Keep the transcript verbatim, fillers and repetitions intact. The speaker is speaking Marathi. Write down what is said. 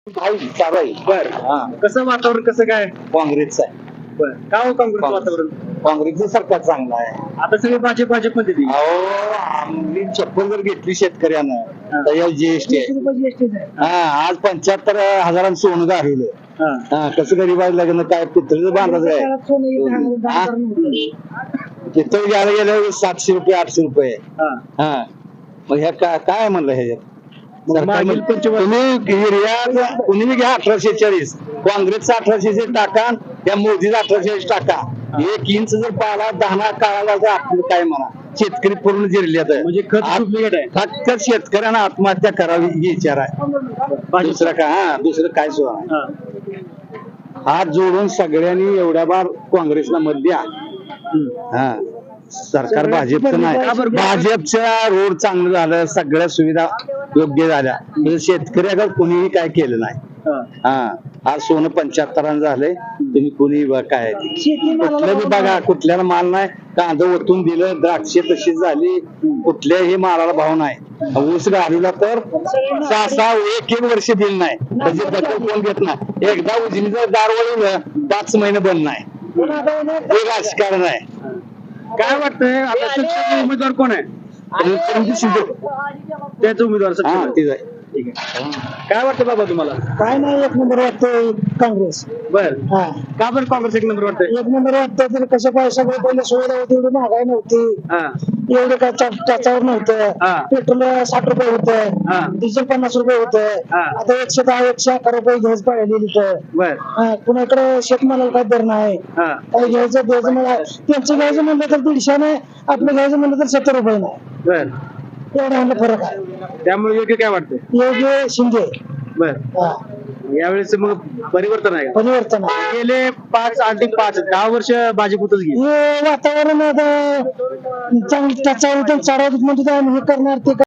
भाई चालू आहे. बर हा कसं वातावरण कसं काय काँग्रेसचं आहे. बर का हो काँग्रेस वातावरण काँग्रेसचं सरकार चांगलं आहे. आता सगळे भाजप भाजप मध्ये ती. अहो आम्ही चप्पल जर घेतली शेतकऱ्यानं तर या जीएसटी आहे. हा आज पंच्याहत्तर हजारांचं सोनं गारवलं. हा. हा कसं गरीबाला लग्न काय पितळीचं बांधायचं आहे. हा? पितळ घ्यायला गेलं सातशे रुपये आठशे रुपये हा. हा मग ह्या काय काय म्हणलं ह्याच्यात मग मागील पंचवर्ष तुम्ही युरिया कुणी बी घ्या अठराशे चाळीस काँग्रेसचा अठराशे चाळीस टाका त्या मोदीचा अठराशे चाळीस टाका एक इंच जर पाला दहा काळाला तर आपलं काय म्हणा शेतकरी पूर्ण जिरल्यात म्हणजे खत डुप्लिकेट आहे. फक्त शेतकऱ्यांना आत्महत्या करावी ही विचार आहे. दुसरं काय हा दुसरं काय सुद्धा नाही. हा. हात जोडून सगळ्यांनी एवढ्या बार काँग्रेसला मत द्या. हा सरकार भाजपचं नाही भाजपच्या रोड चांगलं झालं सगळ्या सुविधा योग्य झाल्या म्हणजे शेतकऱ्याकडे कुणीही काय केलं नाही. हा आज सोनं पंच्याहत्तरानं झालंय तुम्ही कुणी काय कुठलं बी बघा कुठल्याला माल नाही कांदा ओतून दिलं द्राक्षे तशी झाली कुठल्याही मालाला भाव नाही. ऊस घालूला तर सहा सहा एक एक वर्ष दिलं नाही त्याची दखल कोण घेत नाही. एकदा उजनीचं दार वळवलं पाच महिने बंद नाही हे राजकारण आहे. काय वाटतंय आता शिक्षक उमेदवार कोण आहे रणजित शिंदे त्याच उमेदवार हा सर ठीक आहे. ठीक आहे. काय वाटतं बाबा तुम्हाला काय नाही एक नंबर वाटतंय काँग्रेस. बर हा का बरं काँग्रेस एक नंबर वाटतंय एक नंबर वाटतंय तर कसं काय सगळं पहिले सुविधा होती एवढी महागाई नव्हती हा एवढं काय चा- त्याच्यावर नव्हतं. हा. पेट्रोल साठ रुपये होतं हा. डिझेल पन्नास रुपये होतं हा. आता एकशे दहा एकशे अकरा रुपये घ्यायच पाहिजे लिटर. बर हा, कुणाकडे शेतमालाला काय दर नाही हा काय घ्यायचं द्यायचं मला त्यांचं घ्यायचं म्हणलं तर दीडशे नाही आपलं घ्यायचं म्हणलं तर सत्तर रुपये नाही बर एवढा हा फरक आहे. त्यामुळे योग्य काय वाटतंय योग्य शिंदे बर हा यावेळेस मग परिवर्तन आहे का? परिवर्तन आहे. गेले पाच आणि पाच दहा वर्ष भाजप होतच गेली. हे वातावरण आता चांगलं त्याच्यावर चढाव म्हणजे हे करणार ते